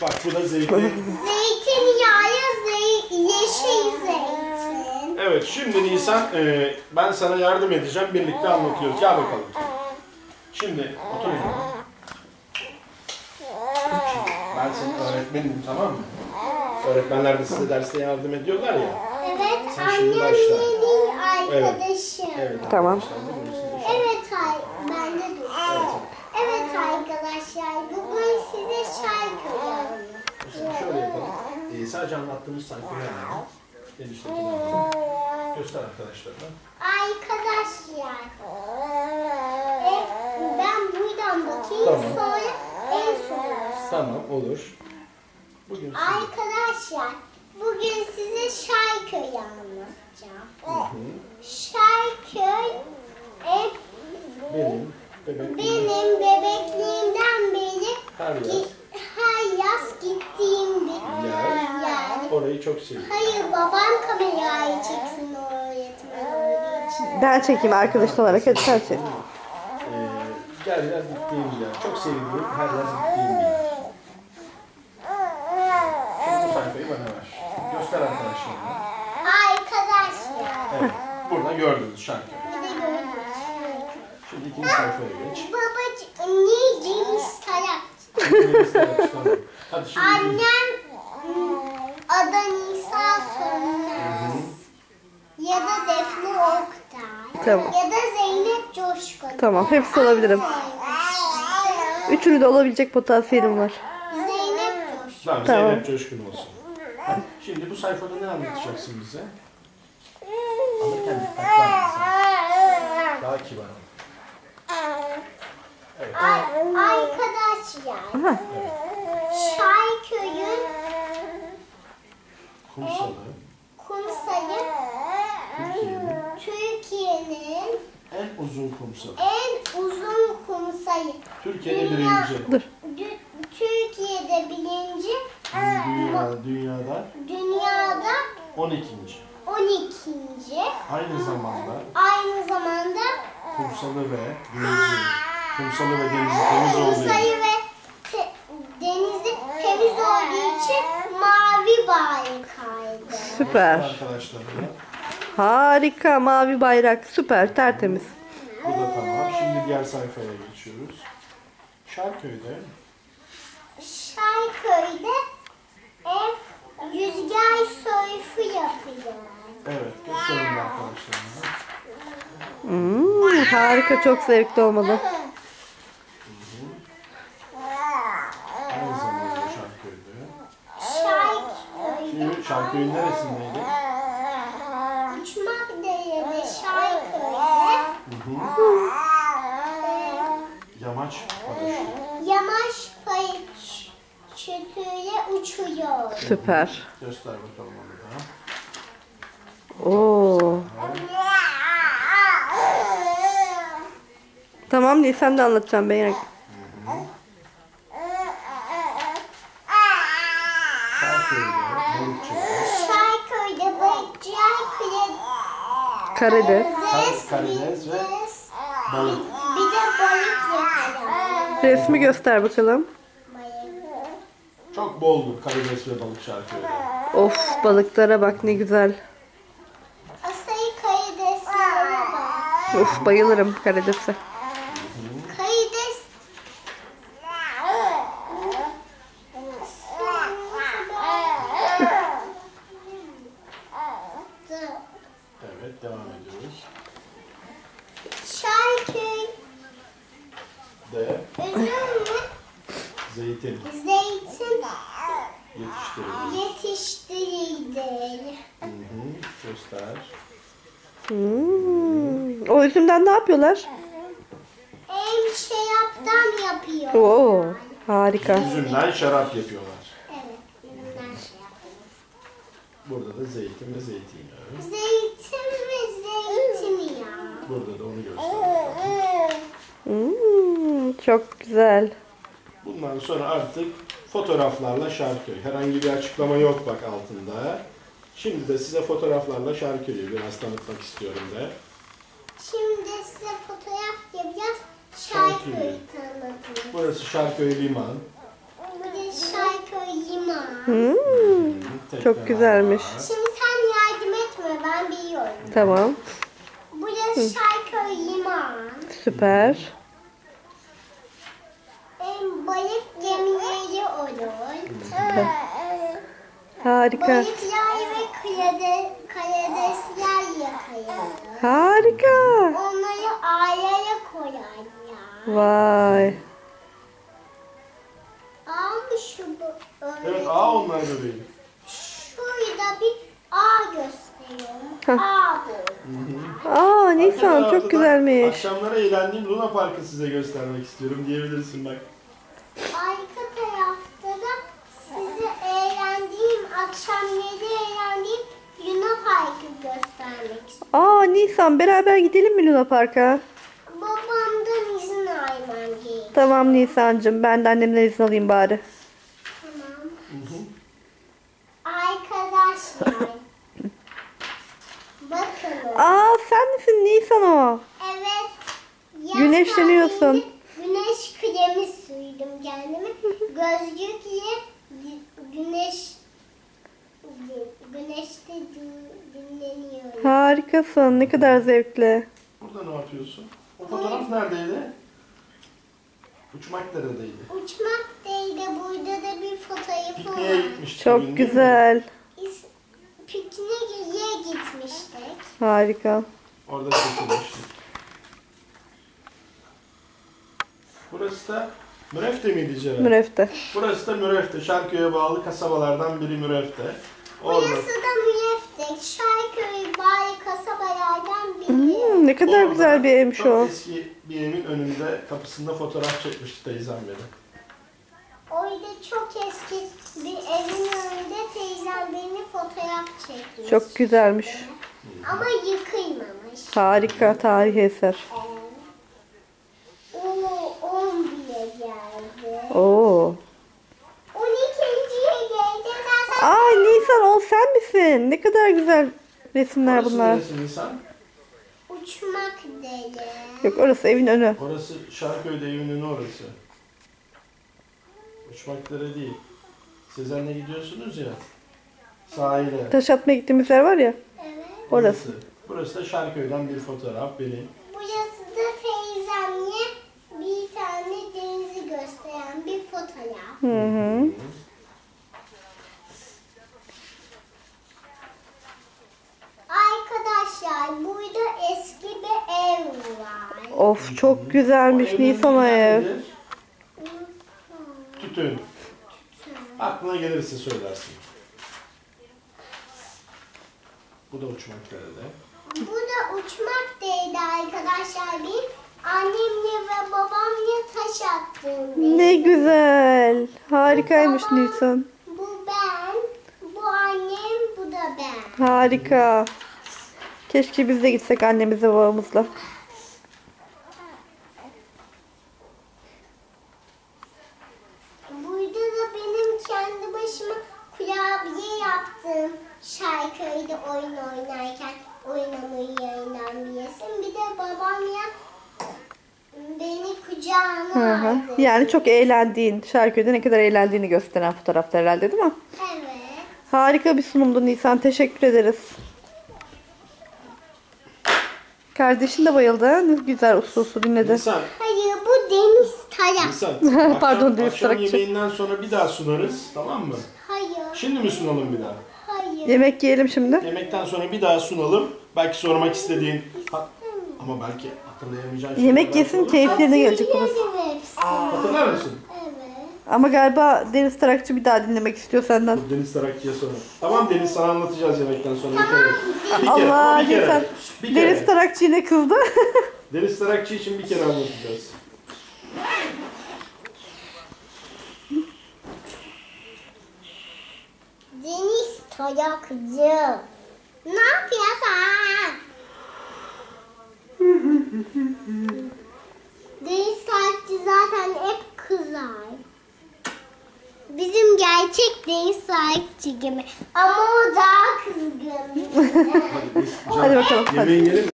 Bak bu da zeytin. Zeytinyağı, yeşil zeytin. Evet, şimdi Nisan ben sana yardım edeceğim. Birlikte anlatıyoruz. Gel bakalım. Şimdi otur yanıma. Ben senin öğretmenim, tamam mı? Öğretmenler de size derste yardım ediyorlar ya. Evet, Sen şimdi başla. annemin arkadaşım. Evet. Tamam. Evet, ben de duydum. Evet arkadaşlar, bugün size şarkı anlatacağım. Şöyle yapalım. Sadece anlattığımız sayfayı alalım. En üsttekini alalım. Göster arkadaşlarına. Arkadaşlar, ben buradan bakayım, Tamam. sonra en son. Tamam, olur. Bugün size... Arkadaşlar, bugün size şarkıyı anlatacağım. Hı. Şarköy Benim bebekliğimden beri her yaz gittiğim bir yer. orayı çok seviyorum. Hayır, babam kamerayı çeksin o öğretmen olduğu için. Ben çekeyim arkadaş olarak. Hadi sen çek. Her yaz gittiğim bir yer. Çok sevdiğim, her yaz gittiğim bir yer. Şimdi bu sayfayı bana ver. Göster arkadaşlarına. Arkadaşlar. Evet, burada gördünüz şarkı. Bir de gördünüz. Şimdi ikinci sayfaya geç. Babacığım, niye Tarak? Hadi şimdi Annem adı Nisa Sönmez. Ya da Defne Oktay. Tamam. Ya da Zeynep Coşkun. Tamam, hepsi olabilirim. Üçünü de olabilecek potansiyelim var. Zeynep Coşkun. Tamam, Tamam. Zeynep Coşkun olsun. Şimdi bu sayfada ne anlatacaksın bize? Alırken dikkatli anlatsın. Daha kibar ol. Evet. Arkadaşlar, Şarköy'ün kumsalı Türkiye'nin en uzun kumsalı. en uzun kumsalı. Türkiye'de birinci. Türkiye'de birinci. Dünyada 12. 12. Aynı zamanda kumsalı ve denizi temiz olduğu Kumsalı ve denizi temiz olduğu için mavi baykaydı. Süper. arkadaşlarına. Harika. Mavi bayrak. Süper. Tertemiz. Bu da tamam. Şimdi diğer sayfaya geçiyoruz. Şarköy'de rüzgar sörfü yapıyor. evet, gösterin arkadaşlarına. Harika. Çok zevkli olmalı. Aynı zamanda Şarköy'de. Şimdi Şarköy'ün neresindeydi? Uçmakdere'de Şarköy'de Yamaç paraşütü. yamaç paraşütüyle uçuyor. Süper. Göster bakalım onu da. Oo. Tamam değil, sen de anlatacağım ben. Şarköy'de balıkçılar. Şarköy'de Karides ve balık. Bir de balık yapıyor. Resmi göster bakalım. Çok boldur karides ve balık Şarköy'de. Of, balıklara bak ne güzel. Asayı karideslere bak. Of, bayılırım karidese. Karides. Evet, devam ediyoruz. Şarköy. De Üzüm mü? zeytin Zeytin yetiştirildi. yetiştirildi. Göster. O üzümden ne yapıyorlar? Şaraptan yapıyor. Oo, harika. Üzümden şarap yapıyorlar. Evet, üzümden şarap. Burada da zeytin ve zeytinyağı. Zeytin ve zeytinyağı. Burada da onu göster. Çok güzel. Bundan sonra artık fotoğraflarla Şarköy. Herhangi bir açıklama yok bak altında. Şimdi de size fotoğraflarla Şarköy'ü biraz tanıtmak istiyorum de. Şimdi size fotoğraf yapacağız. Şarköy'ü tanıtın. Burası Şarköy Liman. Bir de Şarköy Tekrar Çok güzelmiş. var. Şimdi sen yardım etme, ben biliyorum. Tamam. Burası Şarköy Liman. Süper. Balık gemileri olur. Harika. Balıklar ve karidesler yakalanır. Harika. Onları ağlara koyarlar. Vay. Ama şu bu Evet, A onlar bebeğim. Şurada bir ağ gösteriyorum. Ağ bu. Aa Nisan Arka çok tarafta da güzelmiş. Akşamlara eğlendiğim Luna Park'ı size göstermek istiyorum diyebilirsin bak. Arka tarafta da size eğlendiğim, akşamları eğlendiğim Luna Park'ı göstermek istiyorum. Aa Nisan beraber gidelim mi Luna Park'a? Babamdan izin almam gerekiyor. Tamam Nisan'cığım ben de annemden izin alayım bari. Tamam. Arkadaşlar. Bakın. Aa sen misin Nisan o? Evet. yaz Güneşleniyorsun. tatilinde Güneş kremi sürdüm kendime. Gözlükle güneşte dinleniyorum. Harikasın ne kadar zevkli. Burada ne yapıyorsun? O fotoğraf neredeydi? Uçmak neredeydi? Uçmak değil de burada da bir fotoğrafı Pikniğe var. gitmiştik. Çok bugün, değil mi? güzel. Pikniğe gitmiştik. Harika. Orada çekilmiştik. Burası da Mürefte miydi Ceren? Mürefte. Burası da Mürefte. Şarköy'e bağlı kasabalardan biri Mürefte. Orada. Burası da Müyeftek. Şarköy bağlı kasabalardan biri. Ne kadar Orada güzel bir evmiş çok o. eski bir evin önünde kapısında fotoğraf çekmişti teyzem beni. Orada çok eski bir evin önünde teyzem beni fotoğraf çekmiş. Çok güzelmiş. Ama yıkılmamış. Harika tarihi eser. O 10 bile geldi. Oo. 12'ye geleceğiz. Zaten Ay Nisan o sen misin? Ne kadar güzel resimler Orası bunlar. neresi Nisan? uçmak değil. Yok orası evin önü. Orası Şarköy'de evin önü orası. Uçmaklara değil. Sezen'le gidiyorsunuz ya. Sahile. Taş atmaya gittiğimiz yer var ya. Evet. Orası. Burası da Şarköy'den bir fotoğraf benim. Burası da teyzemle bir tane denizi gösteren bir fotoğraf. Hı hı. Arkadaşlar burada eski bir ev var. Of çok güzelmiş O evin Nisan o önünde ev. nedir? Tütün. Aklına gelirse söylersin. Bu da uçmaklarıydı. Bu da uçmak değildi arkadaşlar. Bir annemle ve babamla taş attığım Ne değildi. güzel. Harikaymış Nisan. Bu ben, bu annem, bu da ben. Harika. Keşke biz de gitsek annemizle babamızla. Burada da benim kendi başıma kurabiye yaptığım Şarköy'de oyun oynarken oynamayı yayınlanan bir resim. Bir de babamla beni kucağına Hı hı. aldı. Yani çok eğlendiğin, Şarköy'de ne kadar eğlendiğini gösteren fotoğraflar herhalde değil mi? Evet. Harika bir sunumdu Nisan. Teşekkür ederiz. Kardeşin de bayıldı. ha? Ne güzel uslu uslu dinledi. Nisan, Hayır, bu deniz tayak. Nisan. Pardon, Deniz akşam Tarakçı. yemeğinden sonra bir daha sunarız. Tamam mı? Hayır, Şimdi mi sunalım bir daha? hayır. Yemek yiyelim şimdi. Yemekten sonra bir daha sunalım. Belki sormak istediğin... Ama belki hatırlayamayacağın şeyler Yemek belki yesin olur. keyiflerine gelecek babası. Hatırlıyorum hepsini. Hatırlar mısın? Evet. Ama galiba Deniz Tarakçı bir daha dinlemek istiyor senden. Dur, Deniz Tarakçı'ya sonra. Tamam Deniz, sana anlatacağız yemekten sonra bir kere. Bir kere, Allah ama bir kere. Nisan. Bir kere. Deniz Tarakçı yine kızdı. Deniz Tarakçı için bir kere anlatacağız. Deniz tayakcı. Ne yapıyorsun? Deniz tayakçı zaten hep kızar. Bizim gerçek deniz tayakçı gibi. Ama o daha kızgın. Hadi, biz, Hadi bakalım, hadi. Yemeğe yiyelim.